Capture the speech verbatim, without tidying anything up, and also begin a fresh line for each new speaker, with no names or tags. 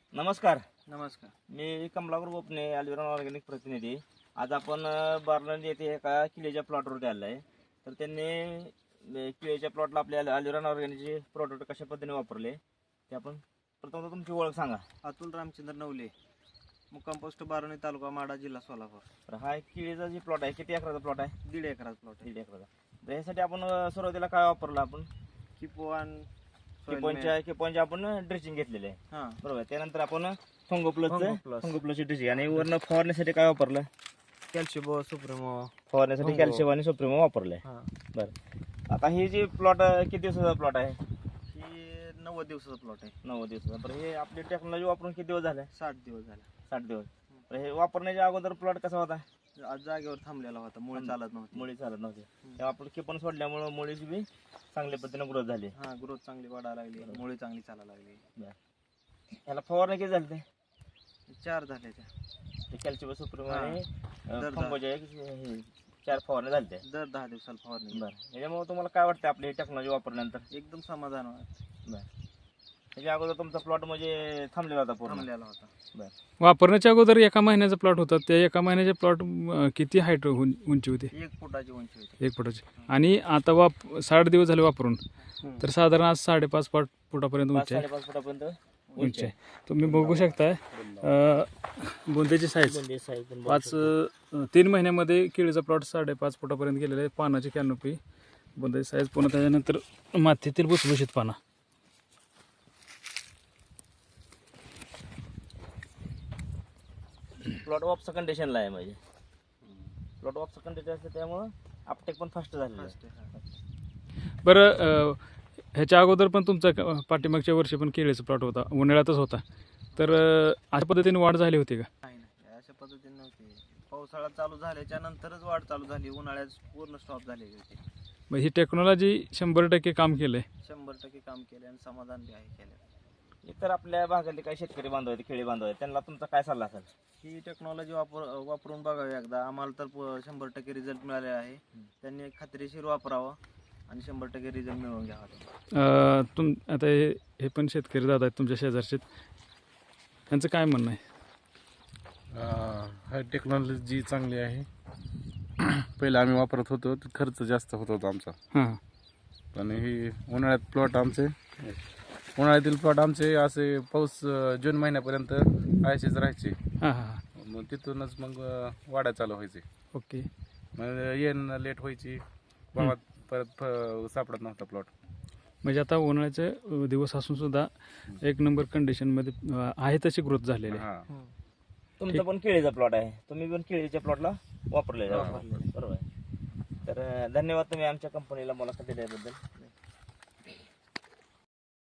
नमस्कार.
नमस्कार.
मी कमलाकर गोपने, अल्विरॉन ऑर्गॅनिक प्रतिनिधी. आज आपण अ, बार्लंड येथे एका किल्ल्याच्या प्लॉटवरती आलो आहे. तर त्यांनी अ, किल्ल्याच्या प्लॉटला आपल्या अल्विरॉन ऑर्गॅनिकचे प्रोडक्ट कशा पद्धतीने वापरले ते आपण प्रथम तुमची ओळख सांगा.
अतुल रामचंद्र नवले, मुक्काम पोस्ट बाराणी, तालुका माडा, जिल्हा सोलापूर.
तर हा एक किल्ल्याचा जे प्लॉट आहे किती एकराचा प्लॉट आहे?
दीड एकराचा प्लॉट आहे.
दीड एकराचा. तर यासाठी आपण अ, सुरुवातीला काय वापरलं आपण?
किपोवान
किपॉनच्या किपॉनच्या आपण ड्रेसिंग घेतलेले आहे,
हां
बरोबर. त्यानंतर आपण Fungo plus
Fungo plus.
Fungo प्लसची ड्रेसिंग आणि वरनं फवारण्यासाठी काय वापरलं?
कॅल्शिबो सुप्रिमो.
फवारण्यासाठी
फंगो.
कॅल्शियम आणि सुप्रिमो वापरलंय.
हां
बरं, आता हे जे प्लॉट किती दिवसाचा प्लॉट आहे?
ही नव्वद दिवसाचा प्लॉट आहे.
नव्वद दिवसाचा. बरं, हे आपली टेक्नॉलॉजी वापरून किती दिवस झाले?
साठ दिवस झाले.
साठ दिवस. तर हे वापरण्याच्या अगोदर प्लॉट कसा होता?
आज जागेवर थांबलेला होता, मुळे चालत नव्हती.
मुळी चालत नव्हती. तेव्हा आपण किपण सोडल्यामुळे मुळीची बी चांगल्या पद्धतीने ग्रोथ झाली.
हां ग्रोथ चांगली वाढायला लागली, मुळे चांगली चालायला लागली.
याला फवारणी किती झाली?
चार झाले त्या.
ते कॅल्शियम सुप्रिमो
हां.
आणि
दर
फंगोच्या एक हे चार फवारणी झाल्या.
दर दहा दिवसाला फवारणी.
बरं, याच्यामुळे तुम्हाला काय वाटतं आपली टेक्नॉलॉजी वापरल्यानंतर?
एकदम समाधान वाटतं.
बरं, त्याच्या अगोदर तुमचा प्लॉट म्हणजे थांबलेला होता पूर्ण?
थांबलेला होता.
बरं.
वापरण्याच्या अगोदर एका महिन्याचा प्लॉट होता. त्या एका महिन्याचे प्लॉट किती हाईट उंची होती?
एक फुटाची उंची होती.
एक फुटाची. आणि आता वाप साठ दिवस झाले वापरून,
हम्म.
तर साधारण आज साडेपाच फुट फुटापर्यंत
पाच
उंची आहे.
साडेपाच फुटापर्यंत
उंची आहे. तुम्ही बघू शकताय बुंदेची साईज
बुंदी size पण बघू
पाच
शकता.
अं, तीन महिन्यामध्ये केळीचा प्लॉट साडेपाच फुटापर्यंत गेलेला आहे. पानाची कॅनोपी, बुंदेची साईज, पुन्हा त्याच्यानंतर मातीतील भुसभुशीत पाना.
प्लॉट ऑफचं कंडिशनला आहे म्हणजे प्लॉट ऑफचं कंडिशन असतं त्यामुळं अपटेक पण फास्ट झालेलं
First
आहे.
आहे, हां.
बरं, अं, ह्याच्या अगोदर पण तुमचा क- पाठीमागच्या वर्षी पण केळीचा प्लॉट होता, उन्हाळ्यातच होता. तर अं, अशा पद्धतीने वाढ झाली होती का?
नाही नाही अशा पद्धतीने नव्हती. पावसाळा चालू झाल्याच्या नंतरच वाढ चालू झाली, उन्हाळ्यात पूर्ण स्टॉप झालेली होती.
मग ही टेक्नॉलॉजी शंभर टक्के काम केलं आहे.
शंभर टक्के काम केले आणि समाधान बी आहे केलं.
इतर आपल्या भागातले काही शेतकरी बांधव आहेत, खेळी बांधव आहेत, त्यांना तुमचा काय सल्ला असेल?
ही टेक्नॉलॉजी वापर वापरून बघावी एकदा. आम्हाला तर प- शंभर टक्के रिझल्ट मिळाले आहे. त्यांनी खात्रीशीर वापरावं आणि शंभर टक्के रिझल्ट मिळवून घ्यावा.
अं, तुम आता हे हे पण शेतकरी दादा आहेत तुमच्या शेजारचे, त्यांचं काय म्हणणं आहे?
हा टेक्नॉलॉजी चांगली आहे. पहिलं आम्ही वापरत होतो तर खर्च जास्त होत होता आमचा,
हां
पण ही उन्हाळ्यात प्लॉट आमचे उन्हाळ्यातील प्लॉट आमचे असे पाऊस अं, जून महिन्यापर्यंत आयशेच राहायचे.
हां हां
मग तिथूनच मग अं, वाढा चालू व्हायचे.
ओके.
मग येणं लेट व्हायची, भावात परत फ- सापडत नव्हता प्लॉट.
म्हणजे आता उन्हाळ्याचे अं, दिवस असून सुद्धा एक नंबर कंडिशनमध्ये अं, आहे तशी ग्रोथ झालेली आहे.
हा
तुमचा पण केळीचा प्लॉट आहे, तुम्ही पण केळीच्या प्लॉटला वापरलेला आहे.
वापरलेलं.
बरोबर आहे. तर अं, धन्यवाद तुम्ही आमच्या कंपनीला मुलाखत दिल्याबद्दल.